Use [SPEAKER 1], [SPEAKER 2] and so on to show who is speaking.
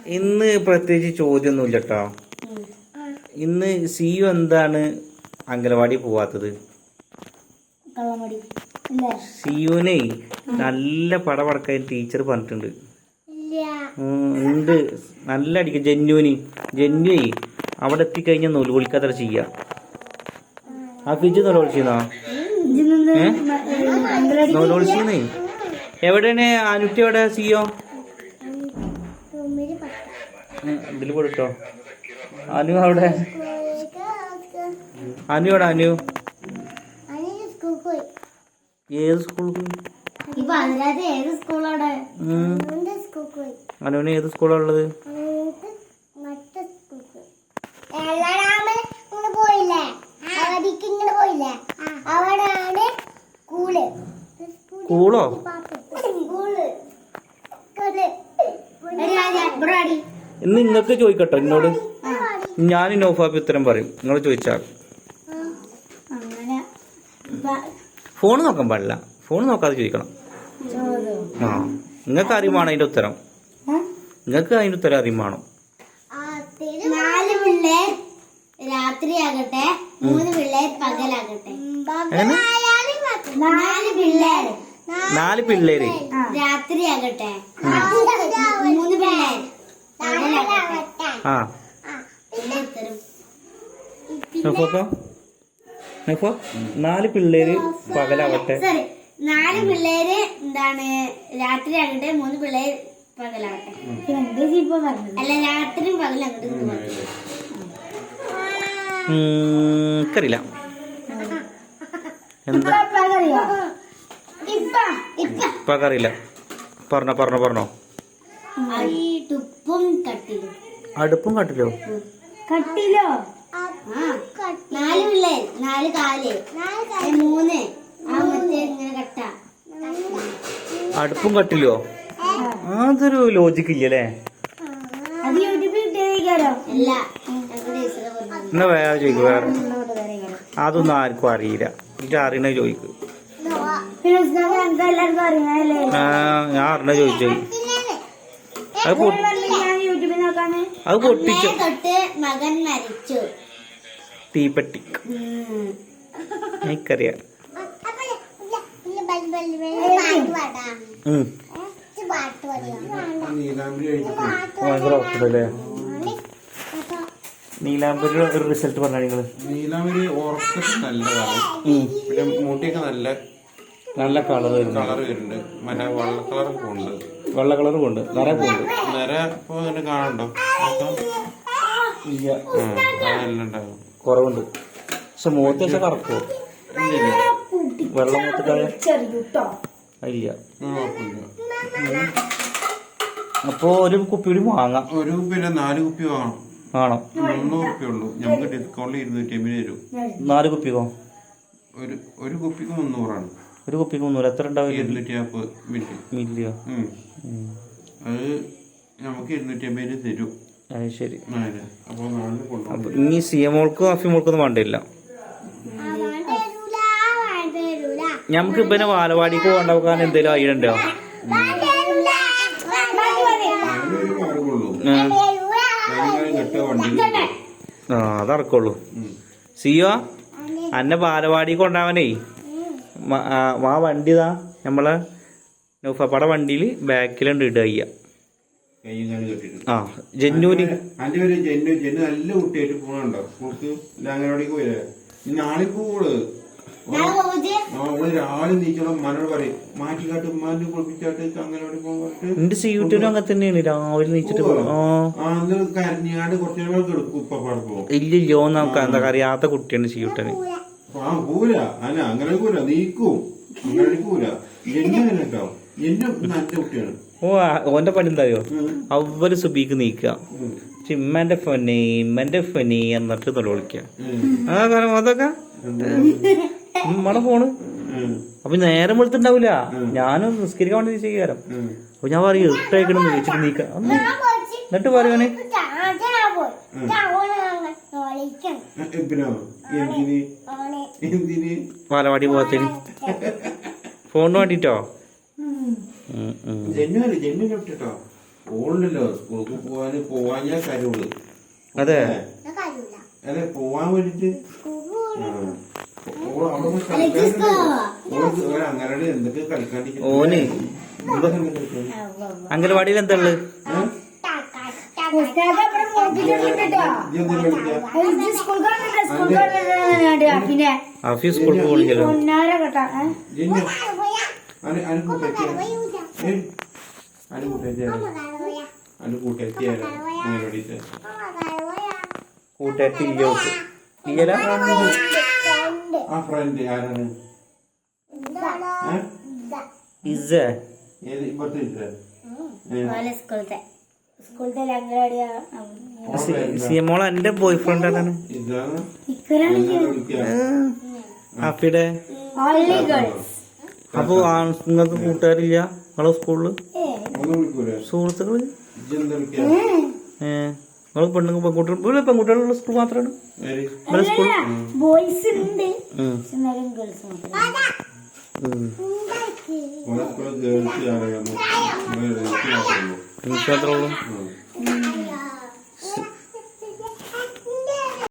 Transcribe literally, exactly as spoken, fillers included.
[SPEAKER 1] ഇന്ന് പ്രത്യേകിച്ച് ചോദ്യമൊന്നുമില്ല കേട്ടോ. ഇന്ന് സിയു എന്താണ് അംഗനവാടി പോവാത്തത്? സിയുനെ നല്ല പടപടക്കാൻ ടീച്ചർ പറഞ്ഞിട്ടുണ്ട്. ഉണ്ട് നല്ല അടിക്കും. ജന്നുവിന് ജന്നുവേ അവിടെ എത്തിക്കഴിഞ്ഞാൽ നൂല് വിളിക്കാത്ര ചെയ്യാ. ആ ഫിജ് നൂല് വിളിച്ചിരുന്നോ? നൂല് വിളിച്ചിരുന്നേ. എവിടെയാണ് അനുറ്റി? എവിടെ സിയോ? ഇതിൽ പോട്ടോ. അനു അവിടെ. അനു എവിടെ? അനു ഏത് സ്കൂളിൽ പോയി? അനുവിന് ഏത് സ്കൂളാണ് ഉള്ളത്? സ്കൂളോ? ഇന്ന് നിങ്ങൾക്ക് ചോദിക്കട്ടോ എന്നോട്. ഞാൻ നൗഫാബി ഉത്തരം പറയും. നിങ്ങൾ ചോദിച്ചാൽ ഫോൺ നോക്കാൻ പാടില്ല. ഫോൺ നോക്കാതെ ചോദിക്കണം. ആ നിങ്ങൾക്ക് അറിയുമാണോ അതിന്റെ ഉത്തരം? നിങ്ങൾക്ക് അതിന്റെ ഉത്തരം അറിയുമാണോ?
[SPEAKER 2] നാല് പിള്ളേർ രാത്രിയാകട്ടെ, മൂന്ന് പിള്ളേർ പകലാകട്ടെ. നാല് പിള്ളേർ
[SPEAKER 1] നാല് പിള്ളേര്
[SPEAKER 2] രാത്രിയാകട്ടെ, മൂന്ന് പിള്ളേർ പകലാകട്ടെ.
[SPEAKER 1] ആ നാല് പിള്ളേര് പകലാവട്ടെ.
[SPEAKER 2] സോറി, നാല് പിള്ളേര് എന്താണ് രാത്രിയാകട്ടെ, മൂന്ന് പിള്ളേർ പകലാകട്ടെ. അല്ല, രാത്രിയും പകലാകട്ടെ.
[SPEAKER 1] അറിയില്ല എന്താ ഇപ്പറിയില്ല. പറഞ്ഞോ പറഞ്ഞോ പറഞ്ഞോ.
[SPEAKER 2] അടുപ്പും കട്ടിലും.
[SPEAKER 1] അടുപ്പും കട്ടിലോ?
[SPEAKER 2] കട്ടിലോ? നാല് പിള്ളേർ, നാല് കാല്, മൂന്ന് ഇങ്ങനെ കട്ട.
[SPEAKER 1] അടുപ്പും കട്ടിലോ? അതൊരു ലോജിക്ക് ഇല്ലല്ലേ? എന്നാ വേറെ ചോദിക്കും. വേറെ അതൊന്നും ആർക്കും അറിയില്ല. എനിക്ക് അറിയണ ചോദിക്കും. ആ ഞാൻ അറിഞ്ഞ ചോദിച്ചു. അത് അത് പൊട്ടിച്ചു.
[SPEAKER 2] മകൻ മരിച്ചു.
[SPEAKER 1] തീപ്പെട്ടി. എനിക്കറിയാം. നീലാംബരി ഒരു റിസൾട്ട് പറഞ്ഞ നിങ്ങള്.
[SPEAKER 3] നീലാംബരി ഉറക്കത്തിൽ നല്ലതാണ്. പിന്നെ മുടിയൊക്കെ നല്ല
[SPEAKER 1] നല്ല കളർ
[SPEAKER 3] കളർ വരുന്നുണ്ട്. മറ്റേ വെള്ള കളറൊക്കെ ഉണ്ട്.
[SPEAKER 1] വെള്ള കളറും ഉണ്ട്. നിറ പോണ്ട്.
[SPEAKER 3] നിര ഇപ്പൊ അങ്ങനെ കാണണ്ടോ?
[SPEAKER 1] ഇല്ല,
[SPEAKER 3] അതെല്ലാം ഉണ്ടാവും.
[SPEAKER 1] കുറവുണ്ട്. പക്ഷെ മൂത്ത് വെച്ചാൽ കറക്കോ? വെള്ളം മൂത്തിട്ടായ ഇല്ല. അപ്പൊ ഒരു കുപ്പി കൂടി വാങ്ങാം.
[SPEAKER 3] ഒരു കുപ്പിയില്ല, നാല് കുപ്പി വാങ്ങണം.
[SPEAKER 1] ആണോ?
[SPEAKER 3] മുന്നൂറ് റുപ്യ ഉള്ളൂ. നമുക്ക് ഡിസ്കൗണ്ടിൽ ഇരുന്നൂറ്റി അമ്പത് തരും.
[SPEAKER 1] നാല് കുപ്പിക്കോ?
[SPEAKER 3] ഒരു ഒരു കുപ്പിക്ക് മുന്നൂറാണ്.
[SPEAKER 1] ഒരു കുപ്പിക്ക് മുന്നൂറ്. എത്ര ഉണ്ടാവും?
[SPEAKER 3] ഇരുന്നൂറ്റി നാൽപ്പത് മില്ലി
[SPEAKER 1] മില്ലിയോ?
[SPEAKER 3] അത് നമുക്ക് ഇരുന്നൂറ്റി അമ്പതിന് തരും.
[SPEAKER 1] അത് ശരി.
[SPEAKER 3] അപ്പൊ നാലിന് കൊണ്ടുപോകും.
[SPEAKER 1] ഇനി സിയമോൾക്കും അഫിമോൾക്കൊന്നും വേണ്ടില്ല. ഞമ്മക്ക് ഇപ്പൊ വാലവാടിക്ക് കൊണ്ടുപോകാൻ എന്തെങ്കിലും ഐഡിയ ഉണ്ടോ? ആ അതറക്കുള്ളൂ. സിയോ അന്നെ ബാലവാടി കൊണ്ടാവനേ ആ വണ്ടി ഇതാ നമ്മളെ നൗഫാപ്പയുടെ വണ്ടിയിൽ ബാക്കിലുണ്ട് ഇടുക. ആ ജന്നൂര്
[SPEAKER 3] അന്റെ ഒരു ജന്നു ജന്നു നല്ല കുട്ടിയായിട്ട് പോണുണ്ടോ? സ്കൂൾക്ക് അംഗനവാടിക്ക് പോയില്ലേ? നാളെ പോവുള്ളു. അവള് രാവിലെ നീച്ചോളം മനോട് പറയും മാറ്റിക്കാട്ട് ഉമ്മാന്റെ കുളിപ്പിച്ചാട്ട് അംഗനവാടി പോകാൻ.
[SPEAKER 1] എന്റെ സീറ്റിനും അങ്ങനെ തന്നെയാണ്. രാവിലെ നീച്ചിട്ട്
[SPEAKER 3] കരഞ്ഞാട് കുറച്ചു നേരം കിടക്കും. ഇപ്പൊ പോകും.
[SPEAKER 1] ഇല്ലല്ലോ നമുക്ക് എന്താ അറിയാത്ത കുട്ടിയാണ് സീട്ടന്.
[SPEAKER 3] ആ പോല അല്ല അങ്ങനെ പോല നീക്കും. അങ്ങനെ പോല ജന്നു അങ്ങനെ ഉണ്ടാവും. ജന്നു നല്ല കുട്ടിയാണ്.
[SPEAKER 1] ഓ ഓന്റെ പണി എന്തായോ? അവര് സുബീക്ക് നീക്കുക. ഇമ്മന്റെ ഫനി ഇമ്മന്റെ ഫനി എന്നിട്ട് തൊല വിളിക്കുക. ആ കാരണം അതൊക്കെ നമ്മടെ ഫോണ്. അപ്പൊ നേരം വെളുത്തുണ്ടാവൂല. ഞാനും നിസ്കരിക്കാൻ വേണ്ടി ചെയ്യാരം. അപ്പൊ ഞാൻ പറയും ഇട്ടേക്കണം വിളിച്ചിട്ട് നീക്ക. എന്നിട്ട് പറയുവാനെ പാലവാടി പോകത്തേന് ഫോണിന് വേണ്ടിട്ടോ.
[SPEAKER 3] ജന്നു ജന്നു കേട്ടോ ഓളുണ്ടല്ലോ സ്കൂൾക്ക് പോവാന് പോവാഞ്ഞാ കരുള്.
[SPEAKER 1] അതെ
[SPEAKER 3] അല്ലെ പോവാൻ വേണ്ടിട്ട് അവിടെ പോയി കളിക്കാനുണ്ട്. ഓൾക്ക് ഒരു അങ്ങനോട് എന്തൊക്കെ കളിക്കാണ്ടിരിക്കും.
[SPEAKER 1] ഓന്
[SPEAKER 3] എന്തൊക്കെ കളിക്കാൻ
[SPEAKER 1] അംഗനവാടിയിൽ എന്താ ഉള്ളത്?
[SPEAKER 2] പിന്നെ
[SPEAKER 1] ആഫി സ്കൂളിൽ പോകണില്ലല്ലോ. കൂട്ടുകാരത്തി ഇല്ലോക്ക് ഇയ്യല
[SPEAKER 3] ആ ഫ്രണ്ട് ആരാണ്?
[SPEAKER 1] ഇസ
[SPEAKER 3] ഏത് ഇപ്പത്തെ ഇല്ല
[SPEAKER 2] സ്കൂളത്തെ സ്കൂളത്തെ അംഗനവാടിയാ
[SPEAKER 1] സിയമോള എന്റെ ബോയ് ഫ്രണ്ട് ആരാണ്?
[SPEAKER 3] ഇതാണ്
[SPEAKER 1] ആഫിയുടെ. അപ്പൊ നിങ്ങൾക്ക് കൂട്ടുകാരില്ല നിങ്ങളെ സ്കൂളില്?
[SPEAKER 3] ഒന്നും വിളിക്കൂലേ
[SPEAKER 1] സുഹൃത്തുക്കള്?
[SPEAKER 3] ഇജ്ജെന്താ വിളിക്കാ?
[SPEAKER 1] ഏഹ് നിങ്ങൾ പെണ്ണുങ്ങൾ പെൺകുട്ടികൾ പെൺകുട്ടികളുള്ള സ്കൂൾ മാത്രമാണ് ഇവിടെ സ്കൂൾ?
[SPEAKER 2] ബോയ്സ് ഉണ്ട്
[SPEAKER 1] ഉം.
[SPEAKER 2] എന്നാലും ഗേൾസ് മാത്രം
[SPEAKER 1] ഉം.
[SPEAKER 3] ഓളെ സ്കൂളിൽ ഗേൾസ് ആരാണ്? ഗേൾസ് മാത്രമേ ഉള്ളൂ.
[SPEAKER 1] എനിക്ക് മാത്രമേ ഉള്ളൂ.
[SPEAKER 3] ഉം.